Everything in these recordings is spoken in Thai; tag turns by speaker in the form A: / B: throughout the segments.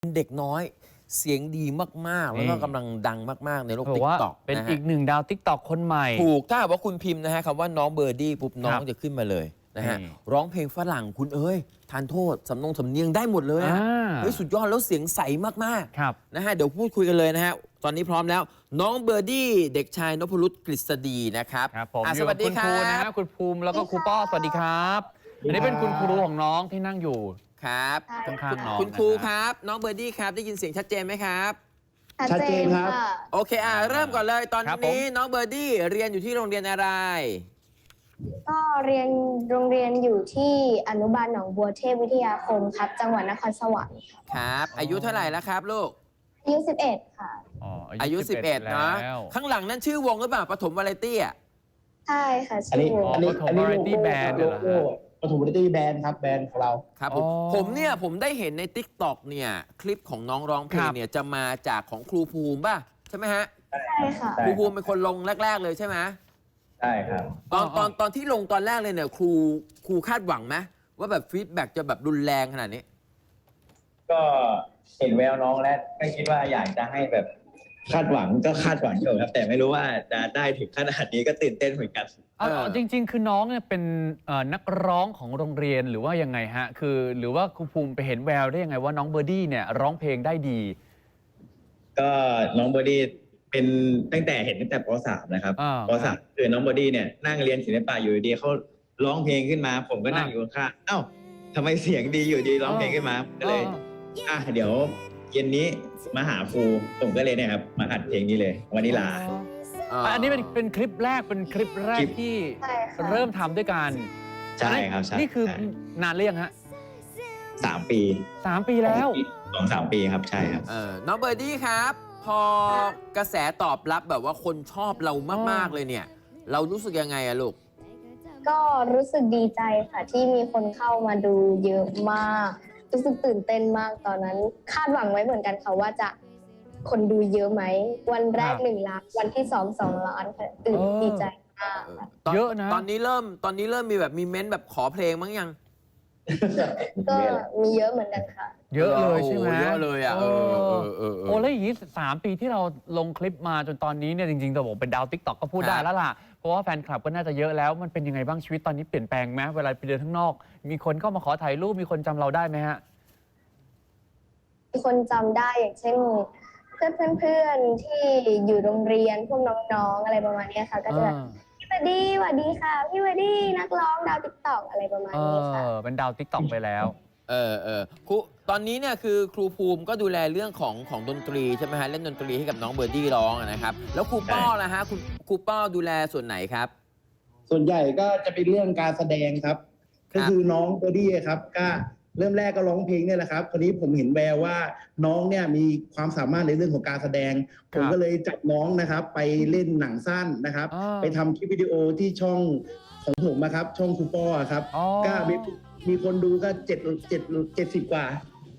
A: เด็กน้อยเสียงดีมากๆแล้วก็กำลังดังมากๆในโลกติ๊กต็อก
B: เป็นอีกหนึ่งดาวติ๊กต็อกคนใหม่
A: ถูกถ้าว่าคุณพิมพ์นะฮะคำว่าน้องเบอร์ดี้ปุ๊บน้องจะขึ้นมาเลยนะฮะร้องเพลงฝรั่งคุณทานโทษสำเนียงได้หมดเลยสุดยอดแล้วเสียงใสมากๆนะฮะเดี๋ยวพูดคุยกันเลยนะฮะตอนนี้พร้อมแล้วน้องเบอร์ดี้เด็กชายนพรุตกฤษฎีนะครับ
B: สวัสดีครับคุณภูมิแล้วก็ครูป้อสวัสดีครับอันนี้เป็นคุณครูของน้องที่นั่งอยู่
A: ครับ
B: ข้างๆน้อง
A: คุณครูครับน้องเบอร์ดี้ครับได้ยินเสียงชัดเจนไหมครับ
C: ชัดเจนครับ
A: โอเคเริ่มก่อนเลยตอนนี้น้องเบอร์ดี้เรียนอยู่ที่โรงเรียนอะไร
C: ก็เรียนโรงเรียนอยู่ที่อนุบาลหนองบัวเทพวิทยาคมครับจังหวัดนครสวรรค์
A: ครับอายุเท่าไหร่แล้วครับลูก
C: อายุ11ค่ะ
A: อายุ11เนาะข้างหลังนั่นชื่อวงหรือเปล่าปฐมวาไรตี้อ่ะ
C: ใช่ค่ะชื่อวง
B: ปฐมวาไรตี้แบนด์เหรอ
D: ปฐมวาไรตี้แบนด์ครับแบนด์ของเรา
A: ครับผมได้เห็นใน TikTok เนี่ยคลิปของน้องร้องเพลงเนี่ยจะมาจากของครูภูมิป่ะใช่ไหมฮะ
C: ใช่ค่ะ
A: ครูภูมิเป็นคนลงแรกๆเลยใช่ไหม
D: ใช่ครับ
A: ตอนที่ลงตอนแรกเลยเนี่ยครูคาดหวังไหมว่าแบบฟีดแบ็กจะแบบรุนแรงขนาดนี้
D: ก็เห็นแววน้องแล้วก็คิดว่าอยากจะให้แบบคาดหวังก็คาดหวังอยู่ครับแต่ไม่รู้ว่าจะได้ถึงขนาดนี้ก็ตื่นเต้นเหมือนกัน
B: จริงๆคือน้องเนี่ยเป็นนักร้องของโรงเรียนหรือว่ายังไงฮะคือหรือว่าครูภูมิไปเห็นแววได้ยังไงว่าน้องเบอร์ดี้เนี่ยร้องเพลงได้ดี
D: ก็น้องเบอร์ดี้เป็นตั้งแต่ป .3 นะครับป .3 คือน้องเบอร์ดี้เนี่ยนั่งเรียนศิลปะอยู่ดีเขาร้องเพลงขึ้นมาผมก็นั่งอยู่ข้างเอ้าทำไมเสียงดีอยู่ดีร้องเพลงขึ้นมาก็เลยเดี๋ยวเย็นนี้มาหาครูผมก็เลยเนี่ยครับมาอัดเพลงนี้เลยวานิลา
B: อันนี้เป็นคลิปแรกที่เริ่มทำด้วยกัน
D: ใช่ครับ
B: นี่คือนานหรือยังฮะ
D: 3 ปี
B: 3 ปีแล้ว
D: 2-3 ปีครับใช่ครับ
A: น้องเบอร์ดี้ครับพอกระแสตอบรับแบบว่าคนชอบเรามากๆเลยเนี่ยเรารู้สึกยังไงอะลูก
C: ก็รู้สึกดีใจค่ะที่มีคนเข้ามาดูเยอะมากรู้สึกตื่นเต้นมากตอนนั้นคาดหวังไว้เหมือนกันค่ะว่าจะคนดูเยอะไหมวันแรก1 ล้านวันที่2 ล้านค่ะดีใจมาก
B: เยอะนะ
A: ตอนนี้เริ่มมีแบบมีเม้นแบบขอเพลงมั้งยัง
C: ก็มีเยอะเหมือนกันค่ะ
B: เยอะเลยใช่ไหม
A: เยอะเลยอ่ะ
B: แล้วอย่างนี้3 ปีที่เราลงคลิปมาจนตอนนี้เนี่ยจริงๆแต่ผมเป็นดาวติ๊กต็อกก็พูดได้แล้วล่ะเพราะว่าแฟนคลับก็น่าจะเยอะแล้วมันเป็นยังไงบ้างชีวิตตอนนี้เปลี่ยนแปลงไหมเวลาไปเดินข้างนอกมีคนเข้ามาขอถ่ายรูปมีคนจำเราได้ไหมฮะ
C: มีคนจำได้อย่างเช่นเพื่อนที่อยู่โรงเรียนพวกน้องๆอะไรประมาณนี้ค่ะก็จะแบบพี่วดี้สวัสดีค่ะพี่วดี้นักร้องดาวติ๊กต็อกอะไรประมาณนี้ค่ะ
B: เป็นดาวติ๊กต็อกไปแล้ว
A: ครูตอนนี้เนี่ยคือครูภูมิก็ดูแลเรื่องของดนตรีใช่ไหมฮะเล่นดนตรีให้กับน้องเบอร์ดี้ร้องนะครับแล้วครูป้อล่ะฮะครูป้อดูแลส่วนไหนครับ
D: ส่วนใหญ่ก็จะเป็นเรื่องการแสดงครับก็คือน้องเบอร์ดี้ครับก็เริ่มแรกก็ร้องเพลงเนี่ยแหละครับคราวนี้ผมเห็นแววว่าน้องเนี่ยมีความสามารถในเรื่องของการแสดงผมก็เลยจับน้องนะครับไปเล่นหนังสั้นนะครับไปทำคลิปวิดีโอที่ช่องของผมนะครับช่องครูป้อครับก็มีคนดูก็70 กว่า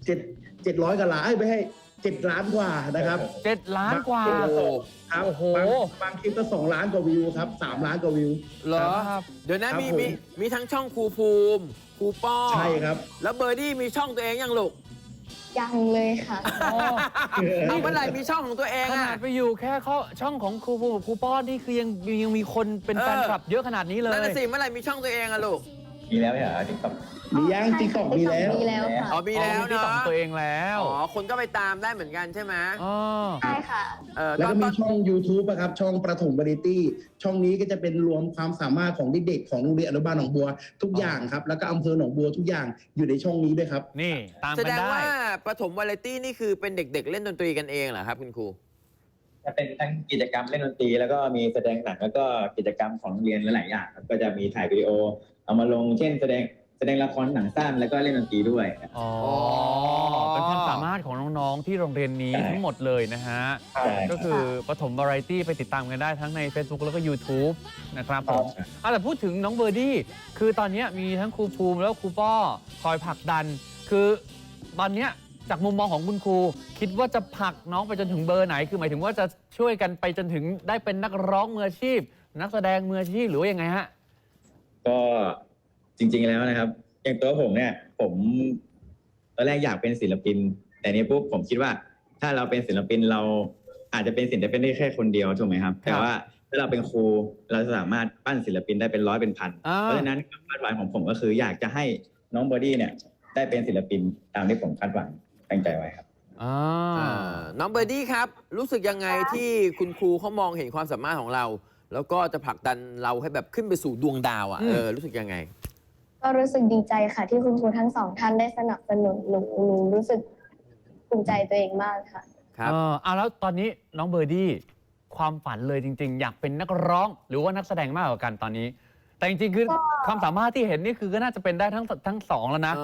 D: 700 กว่าล้านไม่ให้7 ล้านกว่านะครับ
B: 7 ล้านกว่า
D: ครับบางคลิปก็2 ล้านกว่าวิวครับ3 ล้านกว่าวิว
A: เหรอเดี๋ยวนะมีทั้งช่องครูภูมิครูป้อ
D: ใช่ครับ
A: แล้วเบอร์ดี้มีช่องตัวเองยังลูก
C: ยังเลยค่ะ
A: เมื่อไหร่มีช่องของตัวเอง
B: ขนาดไปอยู่แค่ช่องของครูภูมิครูป้อนี่คือยังมีคนเป็นแฟนคลับเยอะขนาดนี้เลย
A: นั่นสิเมื่อไหร่มีช่องตัวเองอะลูก
D: มีแล้วเหรอติ๊กต็อกมียังติ๊กต็อกมีแล้ว
C: ค่ะ
A: มีแล้วเนาะ
B: ตัวเองแล้ว
A: คนก็ไปตามได้เหมือนกันใช่ไหม
C: ใช่ค่ะ
D: แล้วก็มีช่อง YouTube นะครับช่องประถมวาไรตี้ช่องนี้ก็จะเป็นรวมความสามารถของเด็กๆของโรงเรียนอนุบาลหนองบัวทุกอย่างครับแล้วก็อำเภอหนองบัวทุกอย่างอยู่ในช่องนี้ด้วยครับ
B: นี่ตาม
A: แสดงว่าประถมวาไรตี้นี่คือเป็นเด็กๆเล่นดนตรีกันเองเหรอครับคุณครู
D: จะเป็นทั้งกิจกรรมเล่นดนตรีแล้วก็มีแสดงหนังแล้วก็กิจกรรมของโรงเรียนหลายอย่างครับก็จะมีถ่ายวิดีโอเอามาลงเช่นแสดงละครหนังสั้นแล้วก็เล่นดนตรีด้วย
B: เป็นความสามารถของน้องๆที่โรงเรียนนี้ทั้งหมดเลยนะฮะก็คือประถมวาไรตี้ไปติดตามกันได้ทั้งใน Facebook แล้วก็ YouTube นะครับผมแต่พูดถึงน้องเบอร์ดี้คือตอนนี้มีทั้งครูภูมิแล้วครูป้อคอยผลักดันคือตอนนี้จากมุมมองของคุณครูคิดว่าจะผลักน้องไปจนถึงเบอร์ไหนคือหมายถึงว่าจะช่วยกันไปจนถึงได้เป็นนักร้องมืออาชีพนักแสดงมืออาชีพหรือว่ายังไงฮะ
D: ก็จริงๆแล้วนะครับอย่างตัวผมเนี่ยผมตอนแรกอยากเป็นศิลปิน
E: แต่นี้ปุ๊บผมคิดว่าถ้าเราเป็นศิลปินเราอาจจะเป็นศิลปินได้แค่คนเดียวถูกไหมครับแต่ว่าถ้าเราเป็นครูเราสามารถปั้นศิลปินได้เป็นร้อยเป็นพันเพราะฉะนั้นความคาดหวังของผมก็คืออยากจะให้น้องบอดี้เนี่ยได้เป็นศิลปินตามที่ผมคาดหวังตั้งใจไว้ครับ
A: น้องเบอร์ดี้ครับ รู้สึกยังไงที่คุณครูเขามองเห็นความสามารถของเรา แล้วก็จะผลักดันเราให้แบบขึ้นไปสู่ดวงดาวอ่ะรู้สึกยังไง
C: ก็รู้สึกดีใจค่ะ ที่คุณครูทั้งสองท่านได้สนับสนุนหนูรู้สึกภูมิใจตัวเองมากค่ะ
A: ครับ
B: แล้วตอนนี้น้องเบอร์ดี้ความฝันเลยจริง ๆ อยากเป็นนักร้องหรือว่านักแสดงมากกว่ากันตอนนี้ แต่จริงๆคือความสามารถที่เห็นนี่คือก็น่าจะเป็นได้ทั้งสองแล้วนะ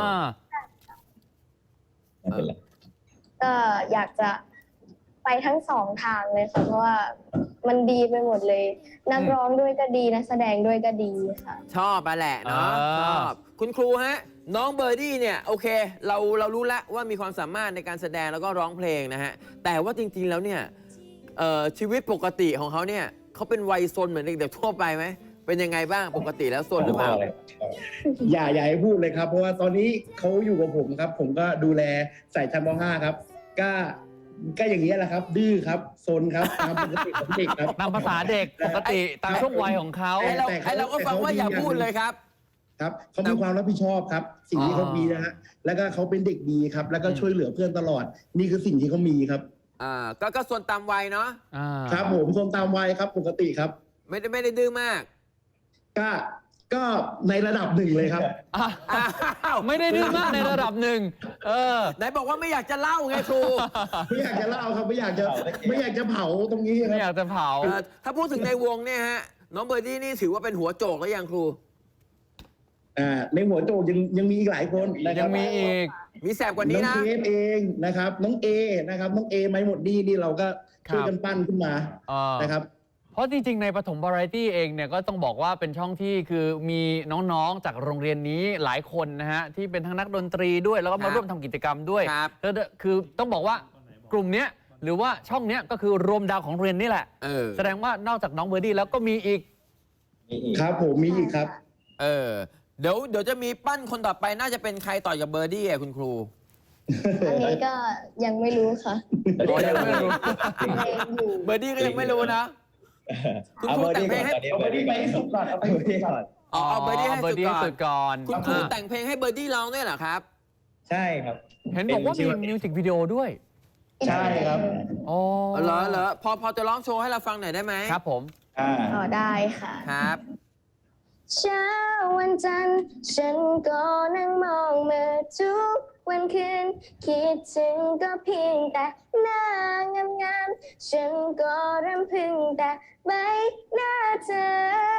C: ก็อยากจะไปทั้งสองทางเลยค่ะเพราะว่ามันดีไปหมดเลย นักร้องด้วยก็ดีนักแสดงด้วยก็ดีค่ะ
A: ชอบมาแหละเนาะชอบคุณครูฮะน้องเบอร์ดี้เนี่ยโอเคเรารู้แล้วว่ามีความสามารถในการแสดงแล้วก็ร้องเพลงนะฮะแต่ว่าจริงๆแล้วเนี่ยชีวิตปกติของเขาเนี่ยเขาเป็นวัยซนเหมือนเด็กๆทั่วไปไหมเป็นยังไงบ้างปกติแล้วซนหรือเปล่า
D: อย่าให้พูดเลยครับ เพราะว่าตอนนี้เขาอยู่กับผมครับ ผมก็ดูแลใส่ชั้นม .5 ครับก็อย่างนี้ยแหละครับ ดื้อครับซนครับตามปกติของเด็กครับ
B: ตามภาษาเด็กปกติตามช่วงวัยของเขา
A: ไอเราก็ฟังว่าอย่าพูดเลยครับ
D: ครับเขามีความรับผิดชอบครับ สิ่งที่เขามีนะฮะแล้วก็เขาเป็นเด็กดีครับ แล้วก็ช่วยเหลือเพื่อนตลอด นี่คือสิ่งที่เขามีครับ
A: ก็ส่วนตามวัยเนาะ
D: ครับผมซนตามวัยครับปกติครับ
A: ไม่ได้ดื้อมาก
D: ก็ในระดับหนึ่งเลยครับ
B: ไม่ได้ดื้อมากในระดับหนึ่ง
A: ไหนบอกว่าไม่อยากจะเล่าไงครู
D: ไม่อยากจะเล่าครับไม่อยากจะเผาตรงนี้ค
B: ไม่อ
D: รับ
B: ยากจะเผา
A: ถ้าพูดถึงในวงเนี่ยฮะน้องเบอร์ดี้นี่ถือว่าเป็นหัวโจกแล้วยังครู
D: ในหัวโจกยังมีอีกหลายคนนะครับ
B: ยังมีอีก
A: มีแสบกว่านี้
D: น้อ
A: นะ
D: งเคฟเองนะครับน้องเอนะครับน้องเอไม่หมดนี่เราก็ช่วยกันปั้นขึ้นมานะครับ
B: เพราะจริงๆ ในปฐมวาไรตี้เองเนี่ยก็ต้องบอกว่าเป็นช่องที่คือมีน้องๆ จากโรงเรียนนี้หลายคนนะฮะที่เป็นทั้งนักดนตรีด้วยแล้วก็มาร่วมทำกิจกรรมด้วยคือต้องบอกว่ากลุ่มเนี้ยหรือว่าช่องเนี้ยก็คือรวมดาวของโรงเรียนนี่แหละแสดงว่านอกจากน้องเบอร์ดี้แล้วก็มีอีก
D: ครับผมมีอีกครับ
A: เดี๋ยวจะมีปั้นคนต่อไปน่าจะเป็นใครต่อจากเบอร์ดี้อ่ะคุณครู
C: อันนี้ก็ยังไม่รู้ค่ะ
B: ยังไม่รู้
A: เบอร์ดี้ก็ยังไม่รู้นะคุณครูแต่งเพลงให้
D: เอาเบอร์ดี้ไปให้สุดก่อนเอาไปให้สุดก่อน
A: เอาเบอร์ดี้ให้สุดก่อน
B: คุณ
A: คุณครูแต่งเพลงให้เบอร์ดี้ร้องด้วยเหรอครับ
E: ใช่ครับ
B: เห็นบอกว่ามีมิวสิกวิดีโอด้วย
D: ใช่ครับ
A: เหรอพอจะร้องโชว์ให้เราฟังหน่อยได้ไหม
B: ครับผม
C: ได้ค่ะ
A: ครับ
C: เช้าวันจันทร์ฉันก็นั่งมองมือทุกวันคืนคิดถึงก็เพียงแต่หน้างามๆฉันก็รำพึงแต่ใบหน้าเธอ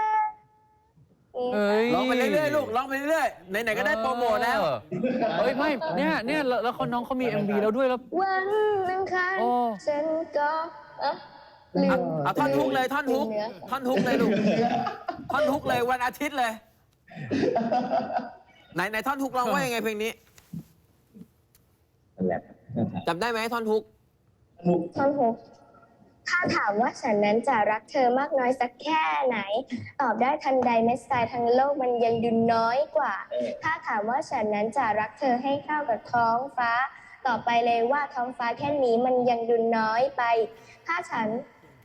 A: ร้องไปเรื่อยๆลูกร้องไปเรื่อยๆไหนๆก็ได้โปรโมทแล้ว
B: ไม่เนี่ยแล้วน้องเขามี MV แล้วด้วยแล้ว
C: วันอังคารฉันก็ลืม
A: เอาท่อนฮุกเลยท่อนฮุกเลยลูกท่อนฮุกเลยวันอาทิตย์เลยไหนท่อนฮุกร้องว่ายังไงเพลงนี้จำได้ไหมท่อนฮุก
C: ถ้าถามว่าฉันนั้นจะรักเธอมากน้อยสักแค่ไหนตอบได้ทันใดแม้ทรายทั้งโลกมันยังดูน้อยกว่าถ้าถามว่าฉันนั้นจะรักเธอให้เข้ากับท้องฟ้าต่อไปเลยว่าท้องฟ้าแค่นี้มันยังดูน้อยไปถ้าฉัน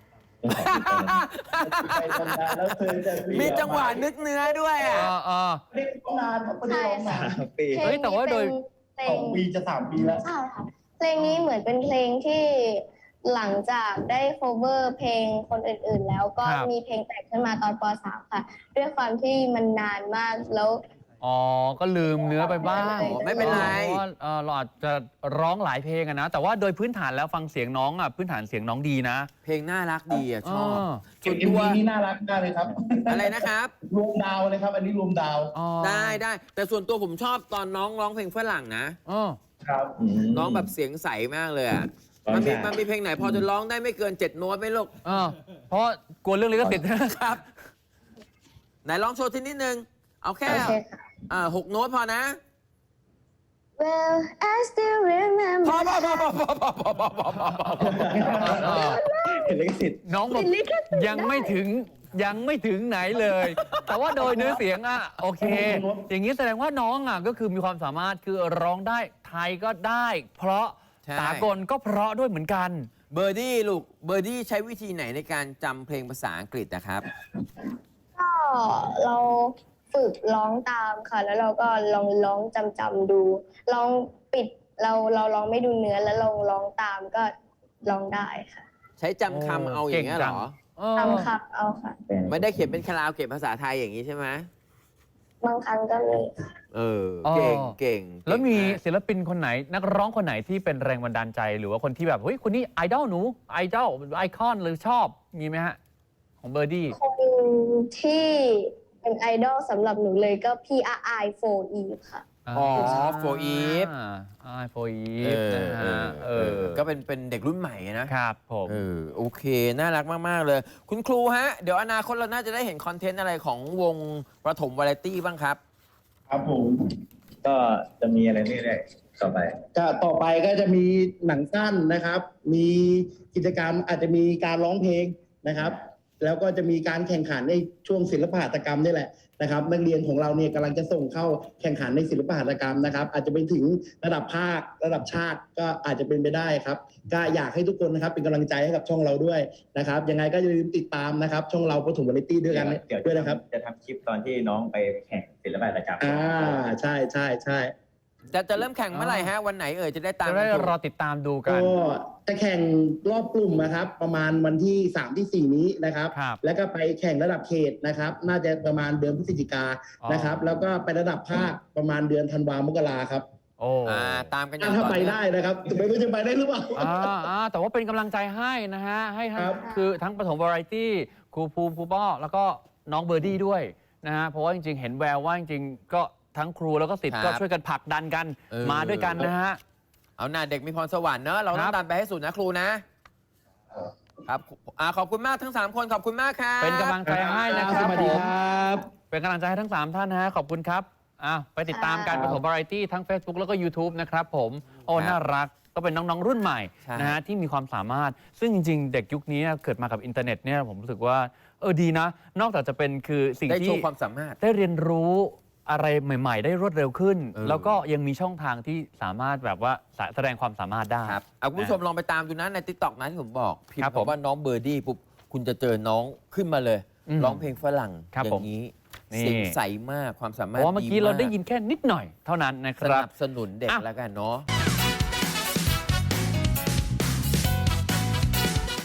A: มีจังหวะนึกเนื้อด้วยอ่ะ
D: เด็กนานครับไม่ได้ร้องนาน
B: แต่ว่าโดย
D: 2 ปีจะ3 ปีแล้ว
C: ใช่ค่ะเพลงนี้เหมือนเป็นเพลงที่หลังจากได้ cover เพลงคนอื่นๆแล้วก็มีเพลงแต่งขึ้นมาตอนป .3 ค่ะด้วยความที่มันนานมากแล้ว
B: ก็ลืมเนื้อไปบ้าง
A: ไม่เป็นไร
B: เพราะว่าเราอาจจะร้องหลายเพลงนะแต่ว่าโดยพื้นฐานแล้วฟังเสียงน้องพื้นฐานเสียงน้องดีนะ
A: เพลงน่ารักดีชอบ
D: ส่วนตัวนี้น่ารักมากเลยครับ
A: อะไรนะครับ
D: รวมดาวเลยครับอันนี้รวมดาว
A: ได้แต่ส่วนตัวผมชอบตอนน้องร้องเพลงฝรั่งนะครับน้องแบบเสียงใสมากเลยอ่ะมันมีเพลงไหนพอจะร้องได้ไม่เกิน7 โน้ตไหมลูก
B: เพราะกลัวเรื่องลิขสิทธิ์
A: นะครับไหนร้องโชว์ทีนิดนึงเอาแค่6 โน้ตพอนะ
C: Well I still remember
A: พอ
E: เห็นลิขสิทธิ์
B: น้องบอกยังไม่ถึงยังไม่ถึงไหนเลย แต่ว่าโดยเนื้อเสียงอ่ะโอเค อย่างนี้แสดงว่าน้องอ่ะก็คือมีความสามารถคือร้องได้ไทยก็ได้ เพราะ
A: ใช่
B: สากลก็เพราะด้วยเหมือนกัน
A: เบอร์ดี้ลูกเบอร์ดี้ใช้วิธีไหนในการจำเพลงภาษาอังกฤษนะครับ
C: ก็เราฝึกร้องตามค่ะ แล้วเราก็ลองร้องจำดูลองปิดเราลองไม่ดูเนื้อแล้วลองร้องตามก็ร้องได้ค่ะ
A: ใช้จำคำเอาอย่างเงี้ยเหรอ
C: ทำค่ะเอาค่ะ
A: ไม่ได้เขียนเป็นคาราโอเกะภาษาไทยอย่างนี้ใช่ไหม
C: บางครั้งก็มี
A: เออ เก่ง
B: อ๋อ
A: เก่ง
B: แล้วมี
A: เก่งาก
B: ศิลปินคนไหนนักร้องคนไหนที่เป็นแรงบันดาลใจ หรือว่าคนที่แบบเฮ้ยคนนี้ไอดอลหนูไอดอลไอคอนหรือชอบมีไหมฮะ ของเบอร์ดี้
C: คนที่เป็นไอดอลสำหรับหนูเลยก็พี่อาไอโฟอีค่ะ
A: อ๋อ For Eve
B: โฟอี
A: เอ
B: ฟ
A: อ
B: นะ
A: เอ
B: ฮะ
A: อเออก็เป็นเด็กรุ่นใหม่นะครับ
B: ผม
A: โอเค น่ารักมาก ๆ เลย คุณครูฮะ เดี๋ยวอนาคตเราน่าจะได้เห็นคอนเทนต์อะไรของวงประถมวาไรตี้บ้างครับ
D: ครับผม
E: ก็จะมีอะไรเรื่อยๆต่อไป
D: ก็ต่อไปก็จะมีหนังสั้นนะครับ มีกิจกรรมอาจจะมีการร้องเพลงนะครับ แล้วก็จะมีการแข่งขันในช่วงศิลปหัตถกรรมนี่แหละนะครับนักเรียนของเราเนี่ยกำลังจะส่งเข้าแข่งขันในศิลปหัตถกรรมนะครับ อาจจะไปถึงระดับภาคระดับชาติก็อาจจะเป็นไปได้ครับก็อยากให้ทุกคนนะครับเป็นกำลังใจให้กับช่องเราด้วยนะครับยังไงก็อย่าลืมติดตามนะครับ ช่องเราประถมวาไรตี้ด้วยกัน
E: เดี๋ยว
D: ด้วยนะครับ
E: จะทำคลิปตอนที่น้องไปแข่งศิลปะหัตถกรรม
D: ใช่ใช่ใช่
A: จะเริ่มแข่งเมื่อไหร่ฮะ วันไหนจะได้ตาม
B: จะได้
A: กันดู
B: รอติดตามดูกัน
D: ก็จะแข่งรอบกลุ่มนะครับ ประมาณวันที่ 3 ที่ 4 นี้นะครับ
B: ครับ
D: แล้วก็ไปแข่งระดับเขตนะครับ น่าจะประมาณเดือนพฤศจิกา
B: อ๋อ
D: นะครับ แล้วก็ไประดับภาคประมาณเดือนธันวามกราครับ
B: โอ้
A: ตามกันอย่าง
D: ถ้า
A: ต่อ
D: ไป
A: เนื่อง
D: ได้นะครับไม่รู้จะไปได้หรือเปล่า
B: แต่ว่าเป็นกำลังใจให้นะฮะ ให้ทั้ง
D: ครับ
B: คือทั้งปฐมวาไรตี้ครูภูมิครูป้อแล้วก็น้องเบอร์ดี้ด้วยนะฮะ เพราะว่าจริงๆ เห็นแววว่าจริงๆ ก็ทั้งครูแล้วก็ศิษย์
A: ครับ
B: ก็ช่วยกันผลักดันกัน
A: เออ
B: มาด้วยกันนะฮะ
A: เอาหน้าเด็กมีพรสวรรค์เนอะเราต้อ
B: ครั
A: ง
B: บ
A: ดันไปให้สุดนะครูนะ ครับขอบคุณมากทั้ง 3 คนขอบคุณมากครับ
B: เป็นกำลังใจให้นะค
D: ส
B: รับ
D: วัส
B: ผ
D: ดี
B: ม
D: ครับ
B: เป็นกำลังใจให้ทั้ง 3 ท่านนะฮะ ขอบคุณครับไปติดตามการปฐมวาไรตี้ทั้ง Facebook แล้วก็ YouTube นะครับผม โอ้
A: ครับ
B: น่ารัก ก็เป็นน้อง ๆ รุ่นใหม่
A: ใช่
B: นะฮะที่มีความสามารถ ซึ่งจริง ๆ เด็กยุคนี้เกิดมากับอินเทอร์เน็ตเนี่ยผมรู้สึกว่าดีนะ นอกจากจะเป็นคือสิ่ง
A: ได้โช
B: ที่
A: ว์ความสามารถ
B: ได้เรียนรู้อะไรใหม่ ๆ ได้รวดเร็วขึ้น
A: เออ
B: แล้วก็ยังมีช่องทางที่สามารถแบบว่าแสดงความสามารถได้
A: ครับคุณผู้ชมลองไปตามดูนะใน TikTok นะที่ผมบอกพิม
B: ครับ
A: พ์
B: ผม
A: คำว่าน้องเบอร์ดี้ปุ๊บคุณจะเจอน้องขึ้นมาเลย
B: อืม
A: ร้องเพลงฝรั่ง
B: ครับ
A: อย่างนี้
B: นี่
A: เสียงใสมากความสา
B: เพ
A: มารถ
B: ราะว่าเมื่อกี้
A: ดี
B: เราได้ยินแค่นิดหน่อยเท่านั้นนะค
A: ส
B: รับ
A: นับสนุนเด็ก
B: อ่ะ
A: แล้วกันเนาะ